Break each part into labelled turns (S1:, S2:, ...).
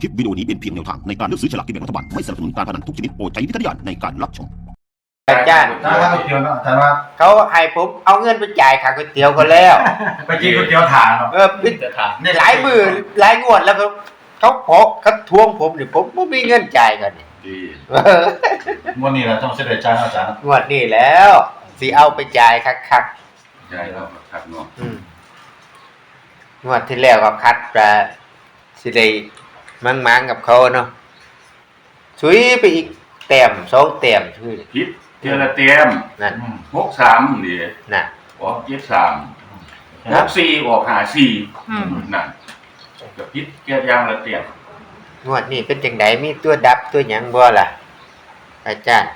S1: คลิปวิดีโอนี้เป็นเพียงแนวทางในการเลือกซื้อฉลากกินแบ่งรัฐบาลไม่สนับสนุนการพนันทุกชนิดโปรดใช้วิจารณญาณในการรับชม
S2: อาจารย์
S3: ถ้าก๋วยเตี๋ยวเนาะอาจารย์ว่า
S2: เขาให้ผมเอาเงินไปจ่ายค่าก๋วยเตี๋ยวเขาแล้ว
S3: ไปกินก๋วยเตี๋ยวถาดเนาะ
S2: หลายมือหลายงวดแล้วเขาทวงผมนี่ผมไม่มีเงินจ่ายกันนี่
S4: ดี
S3: วันนี้เราต้องเสด็จจานอาจารย์
S2: งวดนี้แล้วสิเอาไปจ่ายคัก
S4: ใช่แล้วครับเนาะ
S2: งวดที่แล้วก็คัดปลาสิได้มั่งกับเขาเนาะชุยไปอีกแต้ม2แต้มชุย
S4: พิษเจรเตรียม
S2: นั่น
S4: 63นี่
S2: น่ะ
S4: ออก73 64ออก54นั่นกับพิษเกียรยางละเตรียม
S2: งวดนี้เป็นจังไดมีตัวดับตัวหยังบ่ล่ะอาจารย์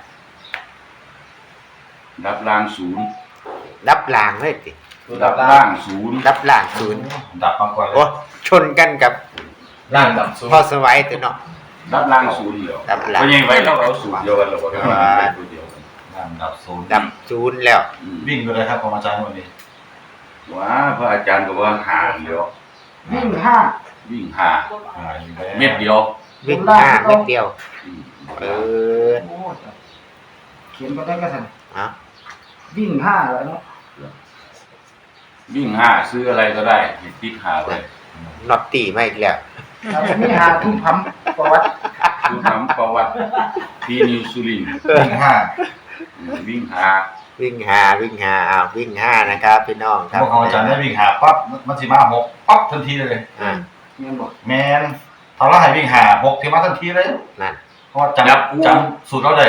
S4: รับล่างศูนย์
S2: รับล่างเลยติ
S4: รับล่างศูนย์
S2: รับล่างศูนย์
S3: ดับมาก่อนเล
S2: โอ้
S3: ย
S2: ชนกันกับ
S3: ร่างดับสูง
S2: พ่อสวัยตัวเนาะ
S4: รับล่างศูนย์เดียว
S2: รับล่าง
S4: เพราะยังไว้เราเอาศูนย์เดียวกันเราก็ได้ตัวเดียวกัน
S3: ร่างดับสูง
S2: ดับศูนย์แล้ว
S3: วิ่งไปเลยครับของอาจารย์วันนี้
S4: ว่าพระอาจารย์ก็ว่าหาเดียว
S5: วิ่งห้า
S4: วิ่งหา
S3: อยู่แล้ว
S4: เม็ดเดียว
S2: วิ่ง5เม็ดเดียว
S4: อืม
S2: เออ
S5: โอ้เขียนไปได้ก็ทัน
S2: เอา
S5: วิ่งห้าแล้วเนาะ
S4: วิ่งหาซื้ออะไรก็ได้ให้ติ๊กหาไว้
S2: น็อตตีมาอีกแล้ว
S5: แต่ไม่หาทุ่มพัมประวัติ
S4: คือทำประวัติพี่นิวซูลิน
S3: วิ่งห้า
S4: วิ่งหา
S2: วิ่งวิ่ง5นะครับพี่น้องค
S3: พ
S2: รับ
S3: วกของอาจารย์ได้วิ่งหาปั๊บมันสิมาหกปั๊บทันทีเลย
S2: อ่า
S5: เงินบอก
S3: แมนทำแล้วให้วิ่งหาหกที่มาทันทีเลย
S2: นั่น
S3: เพราะว่าจำสูตรเราได้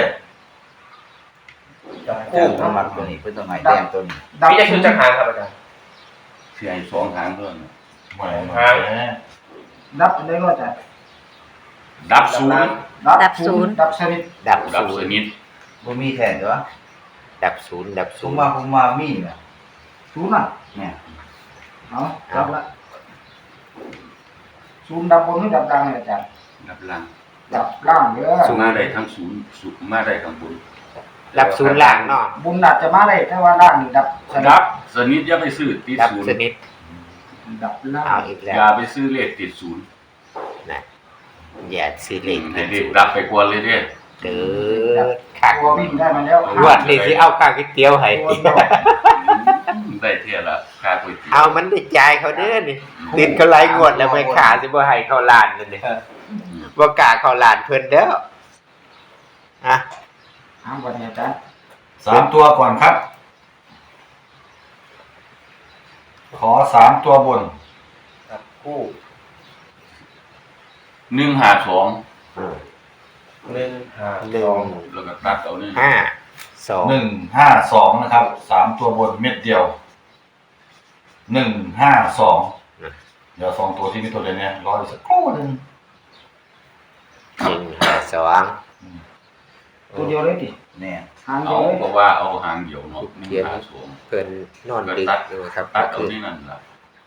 S6: คู่น้ำมันตัวนี้เพื่อตัวใหม่แดงตัวนี้
S5: ดับ
S6: พี่จะคือจักรหางครับอาจารย์
S4: เสีย2หางเท่านั้น
S3: แหม
S5: ดับได้ก็จะ
S4: ดับศูนย์
S5: ดับศูนย์ดับสนิท
S2: ดับ
S4: ดับ
S2: ศู
S4: ส
S2: นย์
S4: นิท
S6: บ่มีแทนตัว
S2: ดับศูนย์
S6: ผมมามีเนี่ย
S5: ศูนย์อ่ะ
S6: เนี่ย
S5: เอาดับละศูนย์ดับบนหรือดับกลางเนี่ยอาจารย์
S4: ดับล่าง
S5: ดับล่างเด้อ
S4: มาได้ทั้งศูนย์มาได้ข้างบน
S2: ดับศูนย์ล่างเนาะ
S5: บุญอาจจะมาได้แต่ว่าล่างนี่ดับสนิท
S4: ดับสนิทอย่าไปซื้อติด
S2: ดับ
S4: ศูนย์
S2: สนิท
S5: ดับล่า
S2: เอา
S5: ง
S2: อีกแล้
S4: อย่าว ไปซื้อเลขติดศูนย์
S2: นะอย่าซีเรียส
S4: ให้เด็กดับไปกวนเลยเด้
S2: เด้อคัก
S5: ตัววิ่งได้มาแล้ว
S2: งวดนี้สิเอาข้าวก๋วยเตี๋ยวให้
S4: ได้เท่าละค่าก๋วยเตี๋ยว
S2: เอามันได้จ่ายเขาเด้อนี่ติดเขาหลายงวดแล้วไม่ขาสิบ่ให้เขาล้านนั่นนี่บ่กล้าเขาล้านเพิ่นเด้ออ่ะ
S5: ห้ามก่อนเนี่ยอาจารย์
S3: 3 ตัวก่อนครับ ขอ3 ตัวบน
S6: คู่
S4: 152
S6: 1 5
S2: หนึ่ง
S4: แล้วก็ตัดเอานี่
S2: ห้าสอง
S3: 152นะครับ3 ตัวบนเม็ดเดียว152เดี๋ยว2 ตัวที่มีตัวเดียวเนี่ยรออีกสักครู่นึง
S2: 152
S5: ตัวเดียวเลยดิ
S6: เนี่ย
S5: หางเดี
S4: เอา
S5: ยวเลย
S4: เพราะว่าเอาหางเดียวเนาะ
S2: เขียน
S4: 152
S2: เพิ่นนอนดึกอยู่ครับ
S4: ตั
S2: ก็
S4: ดเอา
S2: คือ
S4: นี่นั่นล่ะ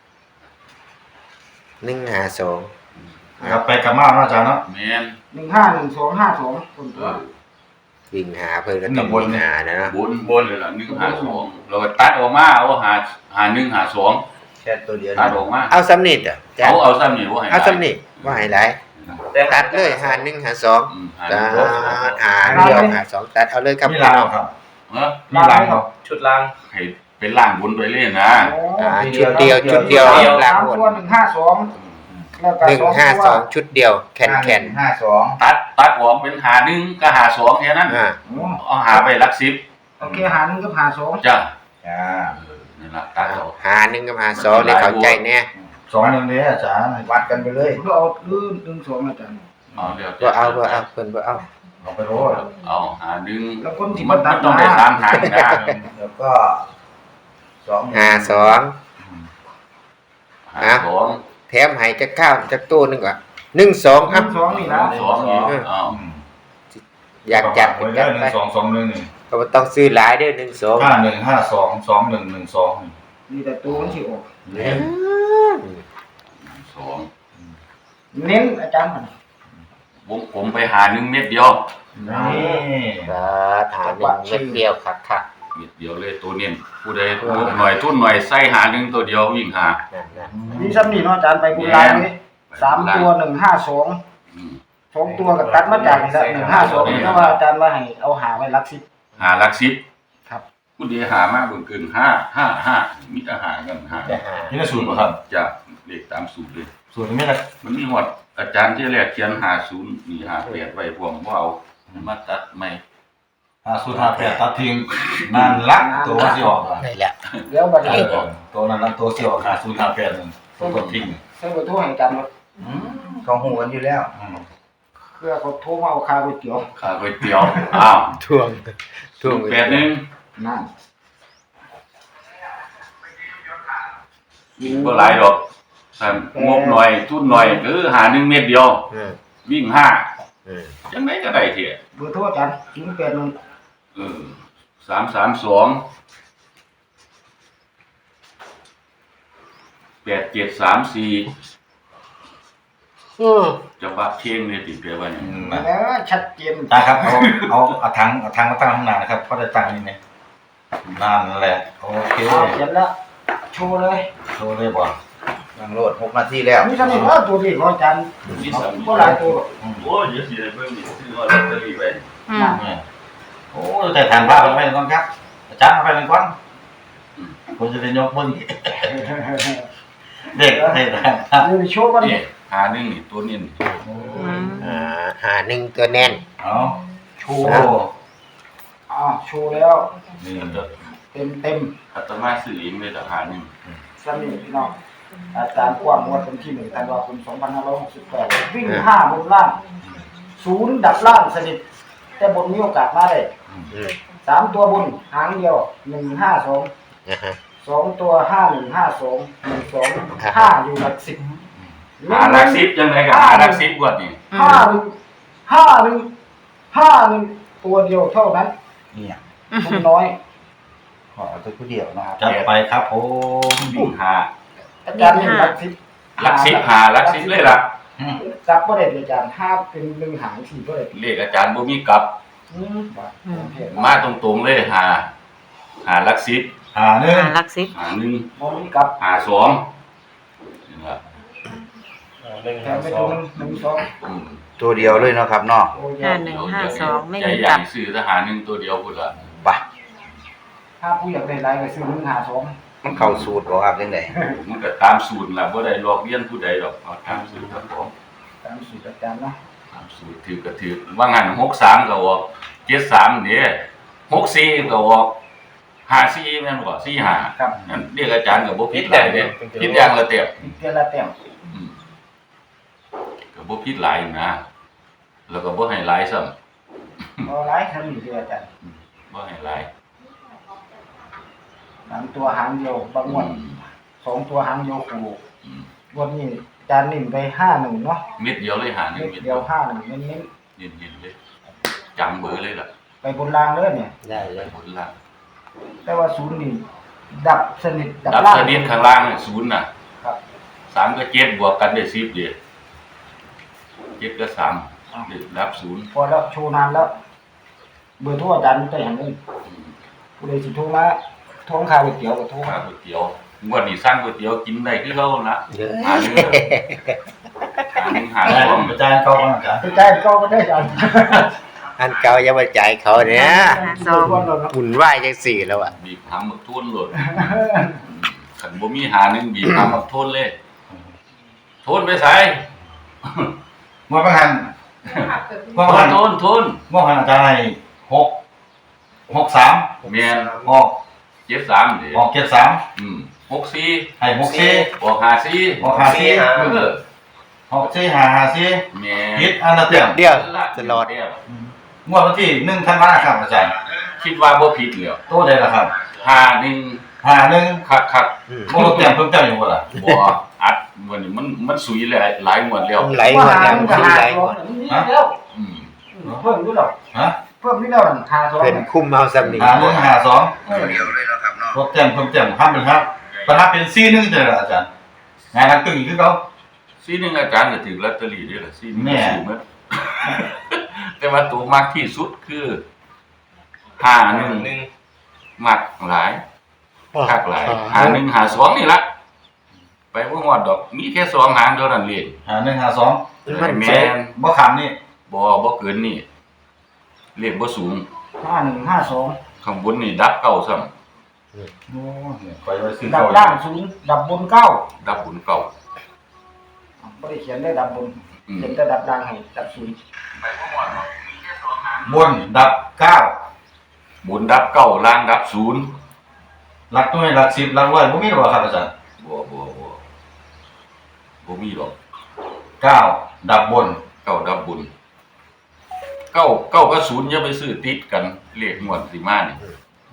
S2: 152
S3: ครับไปกับมาเนาะอาจารย์เนาะ
S4: แม่น
S5: 151252คนตัว
S2: วิ่งหาเพิ่นก็ต้องวิ่งหานะเนาะ
S4: บนเลยล่ะ152เราก็ตัดออกมาเอาหา152
S6: แค่ตัวเดียว
S4: ตัดออกมา
S2: เอาสำนิดอ่ะจ้ะ
S4: เอาซ้ำนี่บ่ให้
S2: เอาสำนิดบ่ให้หลายตัดเลยหา1 หา2
S4: หา
S2: ตัด
S4: 152
S2: หาเดียวหา2ตัดเอาเลยครับ
S3: มี
S2: พี่
S3: ลา
S2: น้
S3: ว
S2: อง
S3: ครับ
S4: เอ้อ
S3: มีลาวครับ
S6: ชุดล่าง
S4: ให้เป็นล่างบนไปเลยนะ
S2: ชุดเดียวหลัง
S5: 3
S2: หมด
S5: ตัว152แล้วก็
S2: 152ชุดเดียวแคน
S6: 52
S4: ตัดออกเป็นหา1กับหา2แค่นั้น
S2: อ่า
S4: เอาหาไปหลัก10
S5: โอเคหา1กับหา2
S4: จ้ะ
S6: จ้า
S4: นี่ล่ะตัดเอา
S2: หา1กับหา2ได้เข้าใจแน่
S3: 2 1เด้ออาจารย์
S6: วัดกันไปเลย
S5: เพื่อเอาลื่น1 2อาจารย์
S4: เอาเดี๋ยว
S2: บ่เอาเพิ่นบ่เอา
S3: เอาไปโรย
S4: เอาหา1
S5: แล้วคนที่
S4: มัน
S5: ตัด
S4: ต้องได้3หางนะ
S6: แล้วก็2
S2: หา2
S4: หา2
S2: แถมให้จักข้าวจักตู้นึงก่อน1 2ครับ
S5: 2นี่นะ
S4: 2อีกเอา
S2: อยากจัด
S3: ไว้
S2: จั
S3: แล้
S2: ด
S3: ว
S2: ไป
S3: 1 2 2 1 1
S2: ก็บ่ต้องซื้อหลายเด้อ1 2
S3: 5 1 5 2 2 1 1 2
S5: นี่แต่ตัวมันสิออก
S4: 2
S5: เน้นอาจารย์
S4: ผมไปหา1เม็ดเดียว
S3: นี่
S2: หา1เม็ดเดียวคัก
S4: เม็ดเดียวเลยตัวเน้นผู้ใดทุนหน่อยใส่หา1ตัวเดียววิ่งหา
S2: ๆนั่น
S5: มีซ้ำนี่เนาะอาจารย์ไปบุญลายเลย3ตัว152 สองตัวกับตัดมาจากนี่ละ152เพราะว่าอาจารย์ว่าให้เอาหาไว้รักสิบ
S4: หาหลักสิบ
S5: ครับ
S4: ผู้เดียหามากเบิ่งเกิน5 มีแต่หากันหา
S2: จะหา
S3: นี่น่าสูตรป่ะครับ
S4: จะเลขตามสูตรเลย
S3: สูตรนี้นะ
S4: มันมีหมดอาจารย์ที่แรกเขียน50นี่58ไว้พวกบ่เอามาตัดใหม่
S3: สูตร58ตัดทิ้งนั่นละตัวที่ออกอ่ะ
S2: ได้แล้ว
S5: เดี๋ยวบัดนี้
S3: ตัวนั้นละตัวที่ออก5058นึงตัวกดทิ้ง
S5: ใส่เบอร์โทรให้อาจารย์ว่า
S6: เขาหูกันอยู่แล้ว
S5: เพื่อเขาโทรมาเอาค่าก๋วยเตี๋ยว
S4: ข้าวก๋วยเตี๋ยวอ้าว
S2: ทวง
S4: 81
S5: นั่น
S4: บ่หลายดอกแต่งบหน่อยทุนหน่อยหา1เม็ดเดียว วิ่ง5จังได๋ก็ได้เที่ย
S5: เบอร์โทรอาจารย์081
S4: 332 8734จะบักเชียงเลยติดเกลือว่าเนี่ย
S5: แล้วชัดเจน
S3: ตาครับเอาถังมาตั้งข้างหน้านะครับเพราะได้ตั้งนี่เนี่ยนั่นแหละโอเค
S5: เขียนแล้วโชว์เลย
S3: โชว์เลยบ่
S6: ยังโหลด6 นาทีแล้ว
S5: นี่ทำไมว่าตัวนี้ของอาจารย์ก็หลายตัว
S4: โอ้ยเดี๋ยวสิได้เพิ่มอีกซื้อลอตเตอรี่ไว้
S3: เนี่ยโอ้แต่ฐานผ้าไปก่อนครับอาจารย์เอาไปก่อนผมจะได้ยกมือเด็กให้ฐานผ้า
S5: เดี๋ยวโชว์กัน
S4: นี่หาหนึ่งนี่ตัวนี้นี่
S2: หาหนึ่งตัวแน่น
S3: เอา
S5: โช
S3: โอ้
S5: ว์โชว์แล้ว
S3: นี่
S5: เต็ม
S4: อาตมาซื้อเองเลยแต่หาหนึ่ง
S5: สนิทพี่น้องอาจารย์กว้างงวดวันที่1 ธันวาคม 2568 วิ่ง5บนล่าง0ดับล่างสนิทแต่บนมีโอกาสมาได้3ตัวบนหางเดียว152 2ตัว5152 12 5อยู่หลัก10
S4: หาหลักสิบยังไงกับหาหลักสิบกว่านี่
S5: 51ตัวเดียวเท่านั้น
S6: เนี่ย
S5: ทุนน้อย
S6: ขอเอาตัวผู้เดียวนะครับ
S3: จัดไปครับผม
S4: วิ่งหา
S5: อาจารย์นี่หลัก10
S4: หลักสิบหาหลักสิบเลยล่ะ
S5: จับบ่ได้อาจารย์5เป็น1หาง4บ่ได้
S4: เลขอาจารย์บ่มีกลับ มาตรงๆเลยหาหลักสิบ
S3: หนึ่ง
S7: ลักซิป
S4: หาหนึ่ง
S5: บ่มีกลับ
S4: หาสองนี่ล่ะ
S5: แถมไปตัวนึง1 2
S4: อืม
S6: ตัวเดียวเลยเนาะครับเนาะ
S5: โอ้ย
S7: 5152ไม่
S4: ใจ
S7: มี
S4: ใหญ่
S7: กลับ
S4: ซื้อทหารหนึ่งตัวเดียวพุ่นล่ะ
S6: ไป
S5: ถ้าผู้อยากได้หลายก็ซื้อ152
S6: มันเข้าสูตรบ่ครับจังได๋
S4: มันก็ตามสูตรล่ะบ่ได้ลอกเลียนผู้ใดดอกเอาตามสูตรครับผม
S5: ตามสูตรอาจารย์เนาะ
S4: ตามสูตรถือก็ถือว่างั้น63ก็ออก73นี่64ก็ออก54แม่นบ่45
S5: ครับ
S4: นั่นเรียกอาจารย์ก็บ่ผิดหลายเด้ผิดอย่างละเต็ม
S5: เดือนละแต้ม
S4: ก็บ่ผิดหลายนะแล้วก็บ่ให้หลายซ้ำ
S5: เอาหลายทำอยู่ที่อาจารย์
S4: บ่ให้หลาย
S5: 3ตัวหางเดียวบางงวด2ตัวหางเดียวคู่
S4: อืม
S5: วันนี้อาจารย์นิ่มไป51เนาะ
S4: เม็ดเดียวเลยหาหนึ่ง
S5: เม็
S4: เม็
S5: ด
S4: ด
S5: เดี
S4: เดี
S5: ย
S4: ยว ว
S5: 51เน้น
S4: เย็นๆเลยจำเบอร์เลยล่ะ
S5: ๆไปบนรางเลยเนี่ย
S2: ได้เลย
S4: ผลล่าง
S5: แต่ว่าศูนย์นี่ดับสนิท
S4: ดับ
S5: ล่าง
S4: สนิทข้างล่างเนี่ย0น่ะ
S5: ครับ
S4: 3กับ7บวกกันได้10เด้7กับ3ได้ดับ0
S5: พอแล้วโชว์นานแล้ว เบอร์โทรอาจารย์ได้หันเงินผู้ใดสิโทรมาทวงค่าก๋วยเตี๋ยวก็โทร
S4: ข้า
S5: มา
S4: ก๋วยเตี๋ยวงวดนี้สั่งก๋วยเตี๋ยวกินได้คือเก่าละ
S2: เยอะ
S4: หาหนึ่งหาหนึ่งหาสอง
S3: อาจารย์เข้ามาอาจารย์
S5: ไปจ่ายก็ได้อาจารย์
S2: อันเก่ายังมาจ่ายเขาเนี่ย
S7: สอง
S5: ทวนแล้วเนาะ
S2: หุ่นไหวายจังสี่แล้วอ่ะ
S4: บีบหาหมึกทุ่นโหลดขันบ่มีหาหนึ่งบีบหาหมึกทุ่นเลยทุ่นไปใส่
S3: เมื่อประกันเมื่อประกัน
S4: ทุ่น
S3: เมื่อประกันอาจารย์ให้63
S4: แม่น
S3: ออก
S4: 73เด้
S3: ออก74
S4: 64
S3: ให้64
S4: ออก54
S3: ออก54
S4: เออ
S3: 64
S4: แม่
S3: 55 ผิดอันละเต็ม
S2: เดียวตลอด
S3: งวดวันที่1ธันวาคมครับอาจารย์
S4: คิดว่าบ่ผิดแล้ว
S3: โตได้แล้วครับ
S4: 51
S3: 51
S4: คัก
S3: โมโลเต็มเพิ่มเติมอยู่บ่ล่ะ
S4: ๆบ่อัดวันนี้มันสุยหลายงวดแล้ว
S2: ไหลหมดแล้ว
S5: ก็
S2: คือ
S5: หา
S2: ไหล
S5: สองนี่แล้ว
S4: อืม
S5: เพิ่มด้วยหรอ
S3: ฮะ
S5: เพิ่มนี่แล้วหาสอง
S2: เป็นคุ้มเอาสำนี
S3: 51
S6: ตัวเดียวเลยเนาะครับเนาะ
S3: 52ลดเต็มเพิ่มเติมห้ามเป็นครับประทับเป็น41เด้ออาจารย์งานนักตึงอีกคือเก่า
S4: ซีหนึงอาจารย์ก็ถือลอตเตอรี่ด้วยล่ะซีหนึง
S3: แม่
S4: ซื้อหมด แต่ว่าตัวมากที่สุดคือ51มักหลายคักหลาย51 52นี่ล่ะไปบ่ฮอดดอกมีแค่2หางเท่านั้นเลย
S3: 5152
S2: มัน
S4: แม่
S2: ใช้
S4: น
S3: บ่ขำนี่
S4: บ่เกินนี่เลขบ่สูง
S5: 5152
S4: ข้างบนนี่ดับเก้าซ้ำ
S3: โอ้เนี่ยคอยไว้ซื้อ
S5: ดับ
S3: เก่า
S5: ล่าง0ดับบน9
S4: ดับบุญเก้า
S5: บ่ได้เขียนได้ดับบน
S4: อืม
S5: เขียนแต่ดับล่างให้ดับ0
S3: บนดับ9
S4: บุญดับเก้าล่างดับศูนย์
S3: หลักหน่วยหลัก10หลักร้อยบ่มีหรอครับอาจารย์
S4: บ่มีหรอก
S3: 9ดับบน
S4: เก้าดับบุญเก้ากับศูนย์อย่าไปซื้อติดกันเลขงวดสิมานี่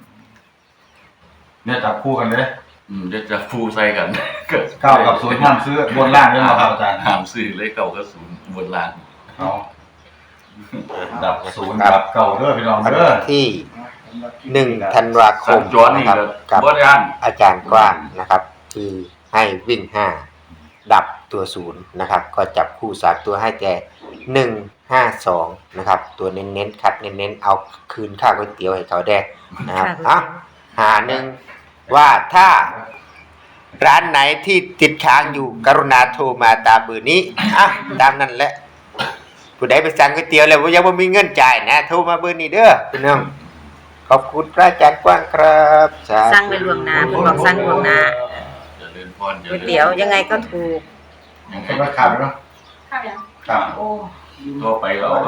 S3: เนี่ยจับคู่กันเลย
S4: เดี๋ยวจะฟูใส่กัน
S3: 9กับ0ห้ามซื้อบนล่างด้วยเหรอครับอาจารย์
S4: ห้ามซื้อเลยเก้ากับศูนย์บนล่าง
S3: เอาดับ0ดับเก่าเด้อพี่น้อง
S2: วัน
S3: เด้อ
S2: ที่1 ธันวาค
S4: สั
S2: ม
S4: ญจรนี่
S2: นะครับ
S4: ก็
S2: กับ
S4: บ่ได้อ่าน
S2: อาจารย์กว้างนะครับ ที่ให้วิ่ง 5 ดับตัว0นะครับ ก็จับคู่3ตัวให้แต่152นะครับ ตัวเน้นๆคัดเน้นๆเอาคืนค่าก๋วยเตี๋ยวให้เขาแดกนะครับหาหนึ่งว่าถ้าร้านไหนที่ติดค้างอยู่กรุณาโทรมาตามเบอร์นี้ตามนั้นแหละผู้ใดไปสั่งก๋วยเตี๋ยวแล้วยังไม่มีเงินจ่ายนะโทรมาเบอร์นี้เด้อพี่น้องขอบคุณพระอาจารย์กว้างครับสาธุ
S7: สั่งไปล่วงหน้าเพิ่นบอกสั่งล่วงหน้า
S4: เจริญพร
S7: ก๋วยเตี๋ยวยังไงก็ถูก
S3: เห็นว่าขาดแล้วเนาะ
S7: ข้าวยัง
S3: ครับ
S5: โอ้
S4: ก็ไปเอา